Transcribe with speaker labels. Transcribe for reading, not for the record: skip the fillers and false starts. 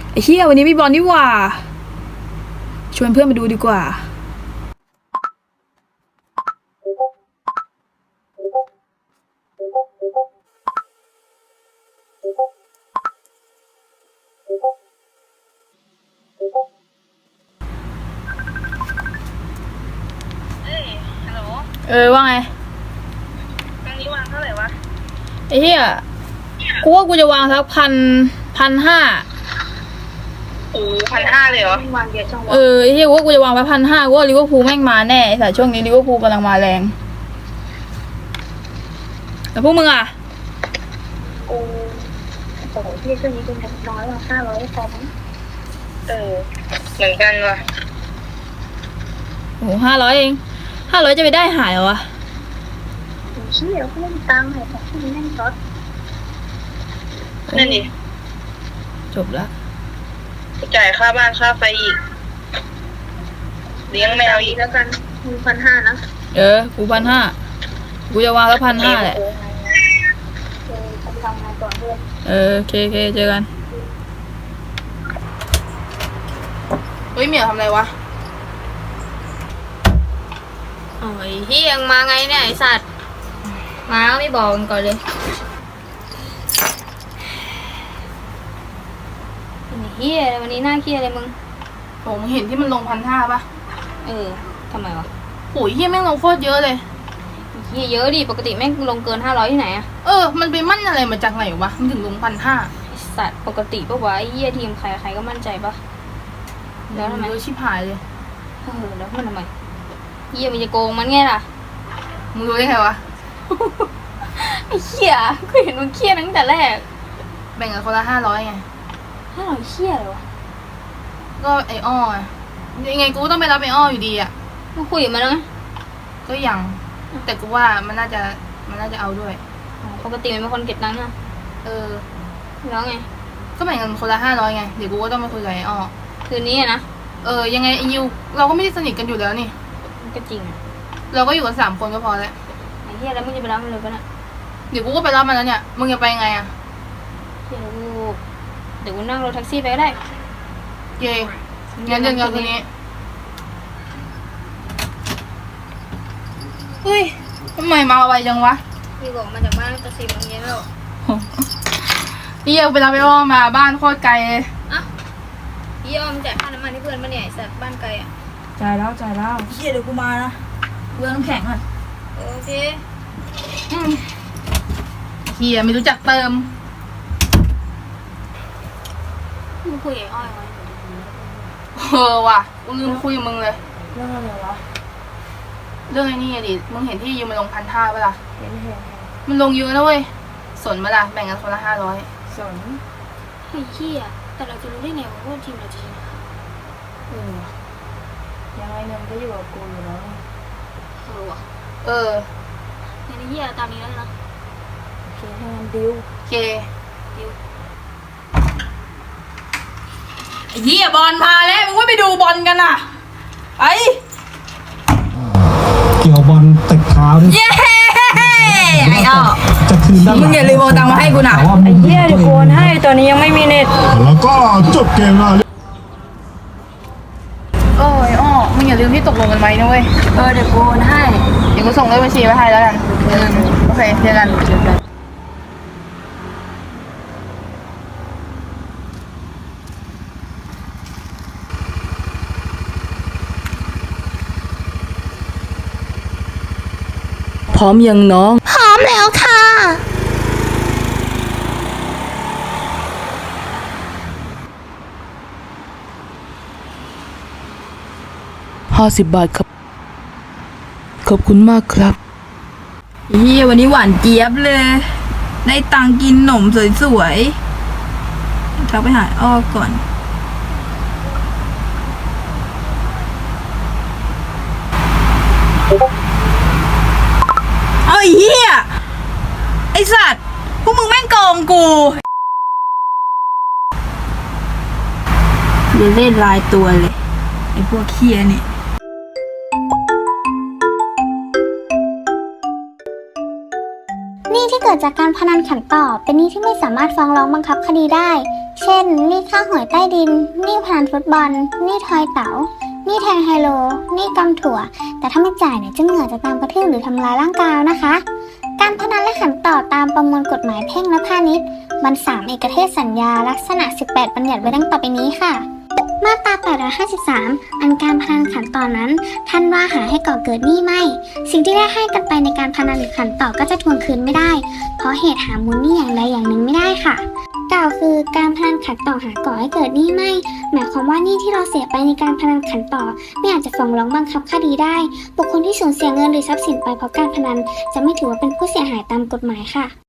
Speaker 1: ไอ้เหี้ยวันนี้มีบอลนี่หว่าชวนเพื่อนมาดูดีกว่า
Speaker 2: ฮัลโหล
Speaker 1: ว่าไง
Speaker 2: ครั้งนี้วางเท่าไหร่วะ
Speaker 1: ไอ้เหี้ยกูว่ากูจะวางสัก1,500
Speaker 2: โอ้1,500เลยเหรอวางเยอะจังวะ
Speaker 1: ไอ้เหี้ยกูว่ากูจะวางไป1,500กูว่าลิเวอร์พูลแม่งมาแน่แต่ช่วงนี้ลิเวอร์พูลกำลังมาแรงแล้วพวกมึงอ่ะ
Speaker 2: โอ้โหที่ช่วงนี้เป็นแบบน้อยว่ะ500พอมั้งเหมือนกันว่ะ
Speaker 1: โอ้500เอง500จะไปได้หายเหรอวะ
Speaker 2: เชี่ยเขาไม่มีตังค์เลยแต่ที่นี่แม่งช็อตนั่นดิ
Speaker 1: จบละ
Speaker 2: จ่ายค่าบ้านค่าไฟอีกเลี้ยงแมวอีกแล้วกัน1,500นะ
Speaker 1: กู1,500กูจะวางแล้ว1,500แหละ
Speaker 2: ทำงานก่อนด้วย
Speaker 1: โอเคเจอกันเฮ้ยเหมียวทำอะไรวะ
Speaker 3: โอ้ยเฮียงมาไงเนี่ยไอสัตว์มาก็ไม่บอกกันก่อนเลยเฮียวันนี้หน้าเครียดเลยมึง
Speaker 1: โหมึงเห็นที่มันลง1,500ป่ะ
Speaker 3: ทำไมวะ
Speaker 1: โหยเฮียแม่งลงโคตรเยอะเลย
Speaker 3: เฮียเยอะดิปกติแม่งลงเกิน500ที่ไหนอะ
Speaker 1: มันไปมั่นอะไรมาจากไหนวะมันถึงลง1,500
Speaker 3: ไอสัตว์ปกติปะวะไอเฮียทีมใครก็มั่นใจปะแล้วทำไม
Speaker 1: เยอะชิบหายเลย
Speaker 3: แล้วมันทำไมเฮียมันจะโกงมันไงล่ะ
Speaker 1: มึงรู้ได้ไงวะ
Speaker 3: ไอ้เฮียกูเห็นมึงเครียดตั้งแต่แรก
Speaker 1: แบ่งกันคนละ500ไง
Speaker 3: 500เครียดเลยวะ
Speaker 1: ก็ไอ้อ้อยังไงกูต้องไปรับไอ้อ้ออยู่ดีอ่ะ
Speaker 3: มึงคุยกับมันแล้วไง
Speaker 1: ก็ยังแต่กูว่ามันน่าจะเอาด้วย
Speaker 3: ปกติมันเป็นคนเก็บตังค์อะแล้วไง
Speaker 1: ก็แบ่งกันคนละ500ไงเดี๋ยวกูก็ต้องมาคุยกับไอ้อ้อ
Speaker 3: คืนนี้นะ
Speaker 1: ยังไงไอ้ยิวเราก็ไม่ได้สนิทกันอยู่แล้วนี่
Speaker 3: ก็จริงอะ
Speaker 1: เราก็อยู่กัน3 คนก็พอแล้ว
Speaker 3: ไอ้เหี้ยแล้วมึงจะไปรับมันเลยปะเนี่ย
Speaker 1: เดี๋ยวกูก็ไปรับมันแล้วเนี่ยมึงจะไปไงอะ
Speaker 3: เดี๋ยวกูนั่งรถแท็กซี่ไปก็ได้
Speaker 1: เย่งั้นเดินกันคืนนี้เฮ้ยทำไมมาไวจังวะ
Speaker 3: พี่บอกมาจากบ้านตั้งแต่4 โมงเย็นแล้ว
Speaker 1: นี่ยังไปรับไอ้อ้อมาบ้านโคตรไกลเลย
Speaker 3: พี่อ้อมจ่ายค่าน้ำมันให้เพื่อนมาเนี่ยไอ้สัตว์บ้านไกลอะ
Speaker 1: จ่ายแล้วเฮียเดี๋ยวกูมานะเรื่องน้ำแข็งอ่ะ
Speaker 3: โอเค
Speaker 1: เฮียไม่รู้จักเติม
Speaker 3: มึงคุยกับอ้อยไว้
Speaker 1: ว่ะกูลืมคุยกับมึงเลย
Speaker 3: เรื่องอะไรวะ
Speaker 1: เรื่องไอ้นี่ดิมึงเห็นที่ยูมันลง1,500ป่ะล่ะ
Speaker 3: เห็น
Speaker 1: มันลงเยอะนะเว้ยสนมาล่ะแบ่งกันคนละ500
Speaker 3: สนไอ้เหี้ยแต่เราจะรู้ได้ไงว่าทีมเราจะชนะ
Speaker 1: ยังไงเงินก็อยู่กับกูอยู่แล้ว
Speaker 3: ว่ะในเหี้ยตามนี้แล้วนะ
Speaker 1: โอเคให้มันดิว
Speaker 3: ดิว
Speaker 1: ไอ้เหี้ยบอลมาแล้วมึงว่าไปดูบอลกันอ่ะไอ้
Speaker 4: เกี่ยวบอลติดเท้าดิ
Speaker 1: เย้ไอ้อ้อ
Speaker 4: จะคืนได้
Speaker 1: มึงอย่าลืมเอาตังค์มาให้กูนะ
Speaker 3: ไอ้เหี้ยเดี๋ยวโกนให้ตอนนี้ยังไม่มีเน็ต
Speaker 4: แล้วก็จบเกมแล้ว
Speaker 1: ไอ้อ้อมึงอย่าลืมที่ตกลงกันไว้นะเว้ย
Speaker 3: เดี๋ยวโกนให้
Speaker 1: เดี๋ยวกูส่งเลขบัญชีไว้ให้แล้วกันโอเคเจอกันพร้อมยังน้อง
Speaker 3: พร้อมแล้วค่ะ
Speaker 1: 50 บาทครับขอบคุณมากครับวันนี้หวานเจี๊ยบเลยได้ตังกินหนมสวยๆทักไปหาอ้อก่อนไอ้เหี้ยไอ้สัตว์พวกมึงแม่งโกงกูอย่าเล่นลายตัวเลยไอ้พวกเหี้ยนี่
Speaker 5: หนี้ที่เกิดจากการพนันขันต่อเป็นหนี้ที่ไม่สามารถฟ้องร้องบังคับคดีได้เช่นหนี้ค่าหวยใต้ดินหนี้พนันฟุตบอลหนี้ทอยเต๋าหนี้แทงไฮโลหนี้กำถั่ว แต่ถ้าไม่จ่ายเนี่ยเจ้าเหงื่อจะตามกระทืบหรือทำร้ายร่างกายนะคะ การพนันและขันต่อตามประมวลกฎหมายแพ่งและพาณิชย์บรร3เอกเทศสัญญาลักษณะ18บัญญัติไว้ดังต่อไปนี้ค่ะ มาตรา853อันการพนันขันต่อนั้นท่านว่าหาให้ก่อเกิดหนี้ไม่ สิ่งที่ได้ให้กันไปในการพนันหรือขันต่อก็จะทวงคืนไม่ได้ เพราะเหตุหามูลหนี้อย่างใดอย่างหนึ่งไม่ได้ค่ะ กล่าวคือการพนันขันต่อหาก่อให้เกิดหนี้ไม่ หมายความว่าหนี้ที่เราเสียไปในการพนันขันต่อไม่อาจจะฟ้องร้องบังคับคดีได้ บุคคลที่สูญเสียเงินหรือทรัพย์สินไปเพราะการพนันจะไม่ถือว่าเป็นผู้เสียหายตามกฎหมายค่ะ